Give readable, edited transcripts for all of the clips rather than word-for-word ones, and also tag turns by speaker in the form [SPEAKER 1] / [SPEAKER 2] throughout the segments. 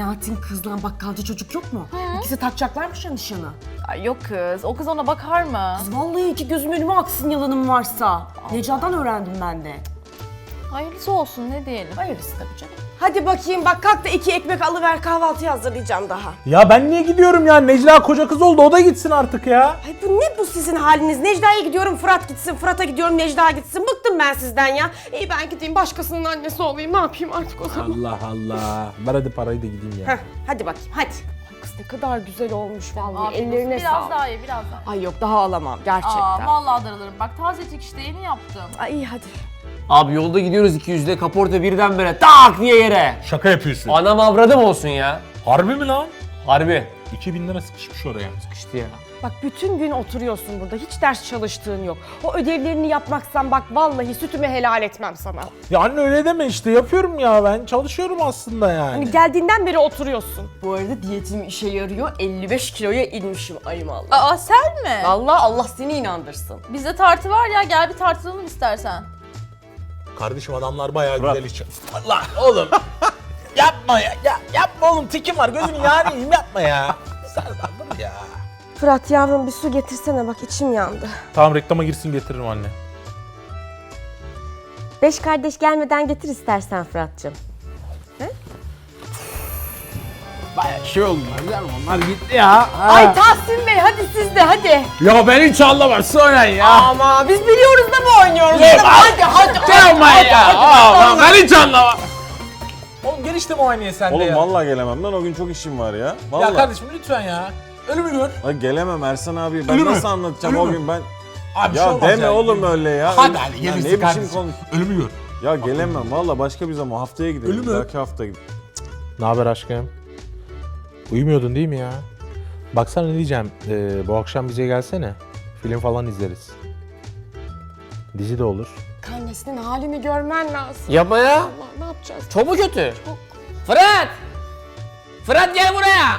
[SPEAKER 1] Alaaddin kızla bakkalcı çocuk yok mu? İkisi takacaklarmış ya nişanı.
[SPEAKER 2] Ay yok kız, o kız ona bakar mı?
[SPEAKER 1] Kız vallahi iki gözüm önüme aksın yalanım varsa. Necla'dan öğrendim ben de.
[SPEAKER 2] Hayırlısı olsun, ne diyelim.
[SPEAKER 1] Hayırlısı tabii canım. Hadi bakayım bak kalk da 2 ekmek alıver kahvaltıyı hazırlayacağım daha.
[SPEAKER 3] Ya ben niye gidiyorum ya? Necla koca kız oldu, o da gitsin artık ya.
[SPEAKER 1] Ay bu ne bu sizin haliniz? Necla'ya gidiyorum Fırat gitsin, Fırat'a gidiyorum Necla gitsin. Bıktım ben sizden ya. İyi ben gideyim başkasının annesi olayım ne yapayım artık o zaman.
[SPEAKER 3] Allah Allah. Ver hadi parayı da gideyim ya.
[SPEAKER 1] Heh, hadi bakayım hadi. Ay kız ne kadar güzel olmuş vallahi
[SPEAKER 2] Abi,
[SPEAKER 1] ellerine
[SPEAKER 2] biraz
[SPEAKER 1] sağlık.
[SPEAKER 2] daha ye, biraz daha.
[SPEAKER 1] Ay yok daha alamam gerçekten.
[SPEAKER 2] Vallahi darılırım. Bak tazecik işte, yeni yaptım.
[SPEAKER 1] Ay iyi hadi.
[SPEAKER 4] Abi yolda gidiyoruz 200'de kaporta birdenbire tak diye yere.
[SPEAKER 3] Şaka yapıyorsun.
[SPEAKER 4] Anam avradım olsun ya.
[SPEAKER 3] Harbi mi lan?
[SPEAKER 4] Harbi.
[SPEAKER 3] 2000 lira sıkışmış oraya.
[SPEAKER 4] Sıkıştı ya.
[SPEAKER 1] Bak bütün gün oturuyorsun burada hiç ders çalıştığın yok. O ödevlerini yapmaksan bak vallahi sütümü helal etmem sana.
[SPEAKER 3] Ya anne öyle deme işte, yapıyorum ya ben. Çalışıyorum aslında yani.
[SPEAKER 1] Hani geldiğinden beri oturuyorsun. Bu arada diyetim işe yarıyor 55 kiloya inmişim ayım Allah.
[SPEAKER 2] Aa sen mi?
[SPEAKER 1] Vallahi Allah seni inandırsın.
[SPEAKER 2] Bizde tartı var ya, gel bir tartılalım istersen.
[SPEAKER 3] Kardeşim adamlar bayağı güzel iş. Allah oğlum. Yapma ya. Yapma oğlum, tikim var. Gözünü yarayım, yapma ya. Serdar dur ya.
[SPEAKER 1] Fırat yavrum bir su getirsene bak içim yandı.
[SPEAKER 3] Tamam reklama girsin, getiririm anne.
[SPEAKER 1] 5 kardeş gelmeden getir istersen Fırat'cığım.
[SPEAKER 3] Bayağı şey oldu. Onlar gitti ya.
[SPEAKER 1] Ay Tahsin Bey hadi siz de hadi.
[SPEAKER 3] Ya ben hiç anlamazsın oynayın ya.
[SPEAKER 1] Ama biz biliyoruz da mı oynuyoruz?
[SPEAKER 3] Yok,
[SPEAKER 1] Hadi.
[SPEAKER 3] Yapma ya. Ben hiç anlamam. Oğlum gel işte muayeneye sen de
[SPEAKER 5] Oğlum
[SPEAKER 3] ya.
[SPEAKER 5] vallahi gelemem lan, o gün çok işim var ya. Vallahi.
[SPEAKER 3] Ya kardeşim lütfen ya. Ölümü gör.
[SPEAKER 5] Lan gelemem Ersan abi. Ben
[SPEAKER 3] Ölümü.
[SPEAKER 5] nasıl anlatacağım
[SPEAKER 3] Ölümü.
[SPEAKER 5] o gün ben?
[SPEAKER 3] Abi bir şey
[SPEAKER 5] Ya
[SPEAKER 3] olmaz
[SPEAKER 5] deme
[SPEAKER 3] ya.
[SPEAKER 5] oğlum öyle ya.
[SPEAKER 3] Hadi hadi
[SPEAKER 5] Ya
[SPEAKER 3] gelirsin
[SPEAKER 5] ne biçim
[SPEAKER 3] kardeşim.
[SPEAKER 5] konuş?
[SPEAKER 3] Ölümü gör.
[SPEAKER 5] Ya gelemem vallahi, başka bir zaman haftaya gidelim.
[SPEAKER 3] Ölümü.
[SPEAKER 5] Bir dahaki hafta gidelim.
[SPEAKER 3] Ne haber aşkım? Uyumuyordun değil mi ya? Baksana ne diyeceğim. Bu akşam bize gelsene. Film falan izleriz. Dizi de olur.
[SPEAKER 1] Annesinin halini görmen lazım.
[SPEAKER 4] Yapma ya.
[SPEAKER 1] Allah ne yapacağız?
[SPEAKER 4] Çok mu kötü? Fırat! Fırat gel buraya.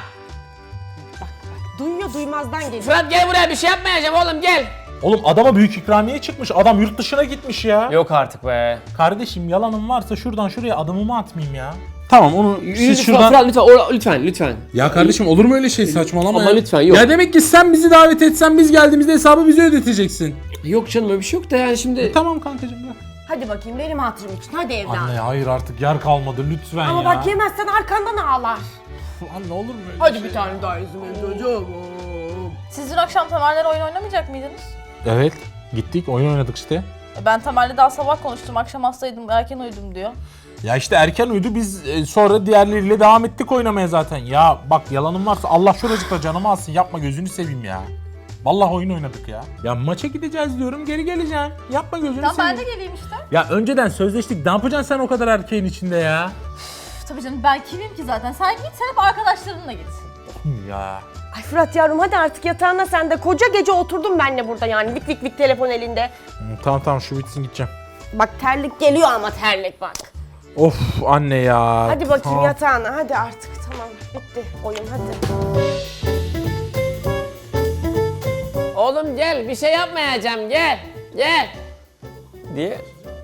[SPEAKER 1] Duyuyor duymazdan geliyor.
[SPEAKER 4] Fırat gel buraya, bir şey yapmayacağım oğlum, gel.
[SPEAKER 3] Oğlum adama büyük ikramiye çıkmış. Adam yurt dışına gitmiş ya.
[SPEAKER 4] Yok artık be.
[SPEAKER 3] Kardeşim yalanım varsa şuradan şuraya adımımı atmayayım ya. Tamam onu siz
[SPEAKER 4] Lütfen
[SPEAKER 3] şuradan...
[SPEAKER 4] Fırat, lütfen, lütfen.
[SPEAKER 3] Ya kardeşim olur mu öyle şey, saçmalama
[SPEAKER 4] Ama
[SPEAKER 3] ya.
[SPEAKER 4] lütfen, yok.
[SPEAKER 3] Ya demek ki sen bizi davet etsen biz geldiğimizde hesabı bize ödeteceksin.
[SPEAKER 4] Yok canım, öyle bir şey yok da yani şimdi.
[SPEAKER 3] Tamam kankacığım ya.
[SPEAKER 1] Hadi bakayım benim hatırım için hadi evladım.
[SPEAKER 3] Anne hayır artık yer kalmadı lütfen
[SPEAKER 1] Ama
[SPEAKER 3] ya.
[SPEAKER 1] bak yemezsen arkandan ağlar.
[SPEAKER 3] Anne olur mu öyle
[SPEAKER 1] Hadi
[SPEAKER 3] şey?
[SPEAKER 1] bir tane daha yüzüme çocuğum.
[SPEAKER 2] Siz dün akşam Tamer'le oyun oynamayacak mıydınız?
[SPEAKER 3] Evet gittik oyun oynadık işte.
[SPEAKER 2] Ben Tamer'le daha sabah konuştum, akşam hastaydım, erken uyudum diyor.
[SPEAKER 3] Ya işte erken uyudu, biz sonra diğerleriyle devam ettik oynamaya zaten. Ya bak yalanım varsa Allah şuracıkta canımı alsın, yapma gözünü seveyim ya. Vallahi oyun oynadık ya. Ya maça gideceğiz diyorum, geri geleceğim. Yapma gözünü
[SPEAKER 2] Tamam
[SPEAKER 3] seveyim.
[SPEAKER 2] ben de geleyim işte.
[SPEAKER 3] Ya önceden sözleştik, ne yapacaksın sen o kadar erkeğin içinde ya?
[SPEAKER 2] Tabii canım, ben kimim ki zaten? Sen git, sen hep arkadaşlarınla git.
[SPEAKER 3] Ya.
[SPEAKER 1] Ay Fırat yavrum hadi artık yatağına sen de. Koca gece oturdum benle burada yani vik vik vik telefon elinde.
[SPEAKER 3] Tamam şu bitsin gideceğim.
[SPEAKER 1] Bak terlik geliyor ama terlik bak.
[SPEAKER 3] Of anne ya.
[SPEAKER 1] Hadi bakayım
[SPEAKER 3] Tamam.
[SPEAKER 1] yatağına hadi artık tamam bitti oyun hadi.
[SPEAKER 4] Oğlum gel, bir şey yapmayacağım, gel. Gel. Diye.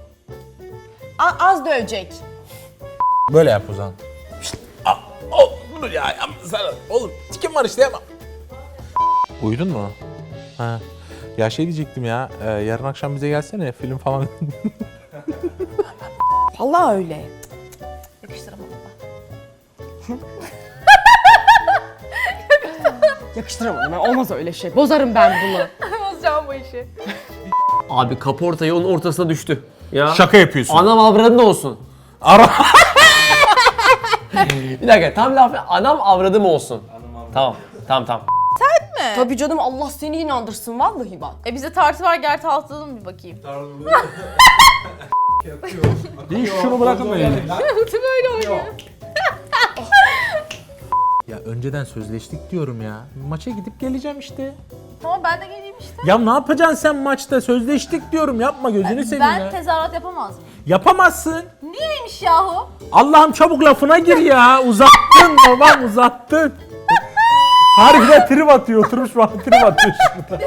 [SPEAKER 1] Az dövecek.
[SPEAKER 3] Böyle yap o zaman. Dur ya sen oğlum tikim var işte yapma. Uyudun mu? Ha. Ya şey diyecektim ya, yarın akşam bize gelsene film falan.
[SPEAKER 1] Vallahi öyle.
[SPEAKER 2] Yakıştıramadım
[SPEAKER 1] Yakıştıramadım ben olmaz öyle şey. Bozarım ben bunu.
[SPEAKER 2] ben. Bozacağım bu işi.
[SPEAKER 4] Abi kaporta yolun ortasına düştü. Ya.
[SPEAKER 3] Şaka yapıyorsun.
[SPEAKER 4] Anam avradın olsun.
[SPEAKER 3] Ara.
[SPEAKER 4] Bir dakika, tam laf, anam avradım olsun. Tamam.
[SPEAKER 1] Tabii canım Allah seni inandırsın vallahi bak.
[SPEAKER 2] Bizde tartı var, gel tartılalım bir bakayım.
[SPEAKER 3] Değil şunu bırakın böyle.
[SPEAKER 2] Böyle oynuyor.
[SPEAKER 3] Ya önceden sözleştik diyorum ya. Maça gidip geleceğim işte.
[SPEAKER 2] Tamam ben de geleyim işte.
[SPEAKER 3] Ya ne yapacaksın sen maçta? Sözleştik diyorum. Yapma gözünü seveyim
[SPEAKER 2] Ben
[SPEAKER 3] ya.
[SPEAKER 2] tezahürat yapamaz mıyım?
[SPEAKER 3] Yapamazsın.
[SPEAKER 2] Niyeymiş yahu?
[SPEAKER 3] Allah'ım çabuk lafına gir ya. Uzattın babam uzattın. Harbiden trip atıyor. Oturmuş bana trip atıyor şurada.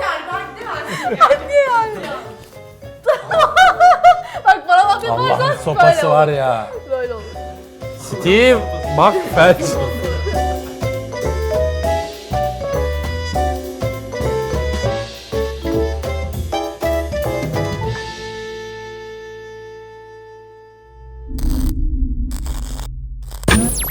[SPEAKER 2] Bak bana laf yaparsan
[SPEAKER 3] Allah'ın sopası
[SPEAKER 2] böyle
[SPEAKER 3] var
[SPEAKER 2] olur.
[SPEAKER 3] ya.
[SPEAKER 2] Böyle olur.
[SPEAKER 3] Steve bak felç.